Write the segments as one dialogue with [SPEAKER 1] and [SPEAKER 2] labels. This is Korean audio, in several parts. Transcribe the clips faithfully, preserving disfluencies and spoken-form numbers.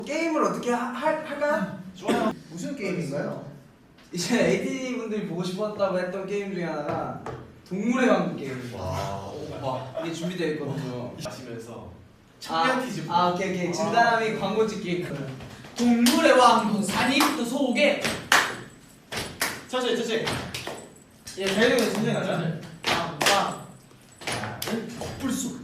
[SPEAKER 1] 게임을 어떻게 하, 할, 할까요?
[SPEAKER 2] 좋아요. 무슨 게임인가요?
[SPEAKER 1] 이제 에이티 분들이 보고 싶었다고 했던 게임 중에 하나가 동물의 왕국 게임.
[SPEAKER 2] 와,
[SPEAKER 1] 와, 이게 준비되어 있거든요.
[SPEAKER 2] 마시면서
[SPEAKER 1] 아,
[SPEAKER 2] 청량 퀴즈.
[SPEAKER 1] 아, 오케이, 오케이. 진단함이 광고 찍기 있거든.
[SPEAKER 3] 동물의 왕국 산이부터 소개.
[SPEAKER 2] 천천히 천천히.
[SPEAKER 1] 예, 달리면 천천히 가자.
[SPEAKER 3] 왕왕 불쑥.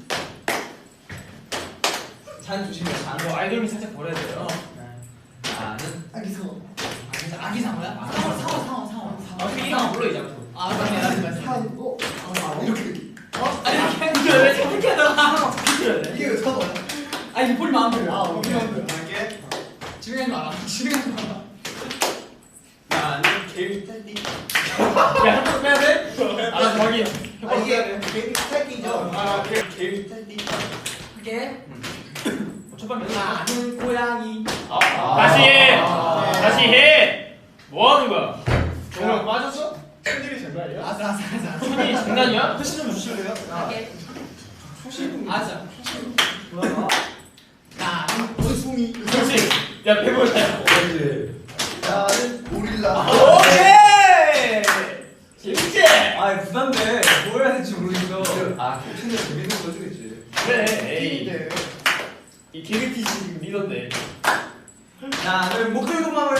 [SPEAKER 1] 잔 조심해, 잔.
[SPEAKER 3] 뭐 알돌미 살짝 버려야 돼요.
[SPEAKER 1] 잔은
[SPEAKER 3] 아기 상어. 아기 상어야? 상어 상어 상어 상어. 아 그 이상 불러 이제 앞으로. 아 맞네 맞네 맞네.
[SPEAKER 2] 상어. 아, 이렇게.
[SPEAKER 3] 어? 아니 이렇게 왜 저렇게 하다가
[SPEAKER 2] 이게 왜 상어야?
[SPEAKER 3] 아 이거 볼 마음대로.
[SPEAKER 2] 아, 우리 마음대로. 이게
[SPEAKER 3] 진행하지 마라. 진행하지 마라.
[SPEAKER 2] 나는 개미 탈기.
[SPEAKER 3] 야 한번 빼야 돼? 아 저기.
[SPEAKER 2] 아, 이게 개미 탈기죠. 아, 개 개미 탈기.
[SPEAKER 3] 할게. 첫 번째.
[SPEAKER 4] 나는 고양이.
[SPEAKER 3] 아, 다시 해.
[SPEAKER 2] 아.
[SPEAKER 3] 다시 해. 뭐 하는 거야?
[SPEAKER 2] 정말 빠졌어? 팬들이 장난이야?
[SPEAKER 4] 아싸 아싸 아싸.
[SPEAKER 3] 손이 장난이야?
[SPEAKER 2] 패시 좀 주실래요?
[SPEAKER 4] 할게.
[SPEAKER 2] 초심.
[SPEAKER 4] 아싸.
[SPEAKER 1] 뭐야?
[SPEAKER 4] 나는
[SPEAKER 2] 원숭이.
[SPEAKER 3] 그렇지. 야 배보자.
[SPEAKER 2] 나는 고릴라.
[SPEAKER 3] 오케이. 재밌지?
[SPEAKER 1] 아, 부담돼. 뭘 해야 될지 모르겠어. 아, 근데 재밌는 거 해주겠지.
[SPEAKER 3] 그래. 에이.
[SPEAKER 2] 네.
[SPEAKER 3] 이 개그티 지금 리더인데.
[SPEAKER 1] 나는 목들고망을.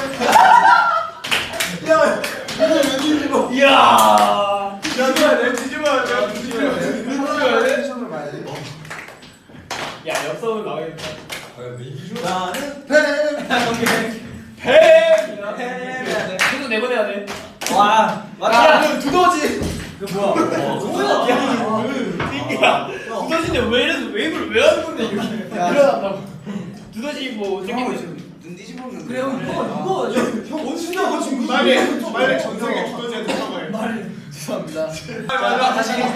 [SPEAKER 2] 야, 이거 웬일이고?
[SPEAKER 3] 이야.
[SPEAKER 2] 야, 뒤집어야 돼, 뒤집어야 돼, 뒤집어야 돼.
[SPEAKER 1] 뒤집어야 돼? 시험을 봐야지.
[SPEAKER 3] 야 옆선을 나가겠다.
[SPEAKER 1] 나는
[SPEAKER 2] 팬.
[SPEAKER 3] 뱀.
[SPEAKER 1] 해야 돼.
[SPEAKER 3] 계속 내보내야 돼.
[SPEAKER 1] 와, 맞다.
[SPEAKER 3] 야, 두더지.
[SPEAKER 1] 그 뭐야?
[SPEAKER 3] 뭐야? 야, 띵기야. 두더지인데 왜 이래서 웨이브를 왜 하는 건데 이렇게? 일어난다고. 두더지 뭐 생긴 거 있어.
[SPEAKER 1] 눈 뒤집어보면
[SPEAKER 4] 그래 형 이거 이거
[SPEAKER 2] 형 원숭이하고 지금 말에 말에 전생에 두더지한테 사과해.
[SPEAKER 4] 말.
[SPEAKER 3] 죄송합니다.
[SPEAKER 2] 맞아,
[SPEAKER 3] 다시 해.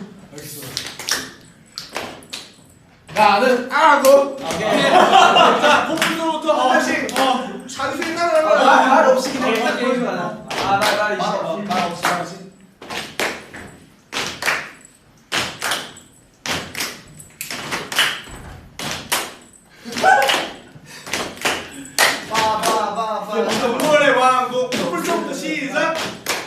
[SPEAKER 4] 나는 아고.
[SPEAKER 2] 자, 복부로부터 하나씩 어, 자기 생각을 하는 거야.
[SPEAKER 1] 아, 말 없이 그냥 딱 보여주면 안 돼. 아, 나, 나 이제.
[SPEAKER 2] 말 없이, 말 없이, 말 없이.
[SPEAKER 1] 빠바바바.
[SPEAKER 2] 동물의 왕국 풀서부터 시작.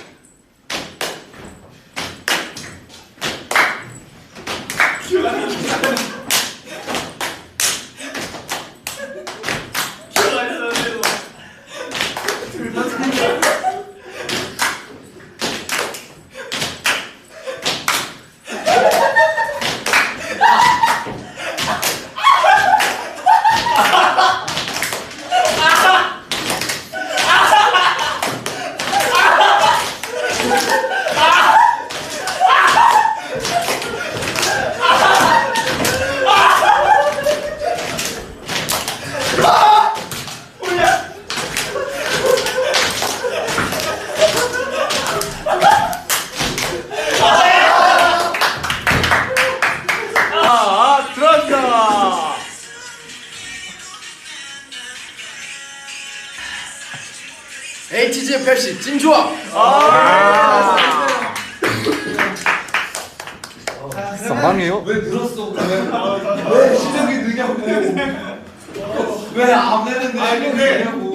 [SPEAKER 3] 아, 들어간다.
[SPEAKER 4] 에이티지 펩시 찜조합.
[SPEAKER 5] 상황이에요?
[SPEAKER 1] 왜 늘었어, 그러면? 왜 시작이 느냐고. 왜 안 되는데
[SPEAKER 2] 아니,
[SPEAKER 1] 시작이
[SPEAKER 2] 근데
[SPEAKER 1] 느냐고.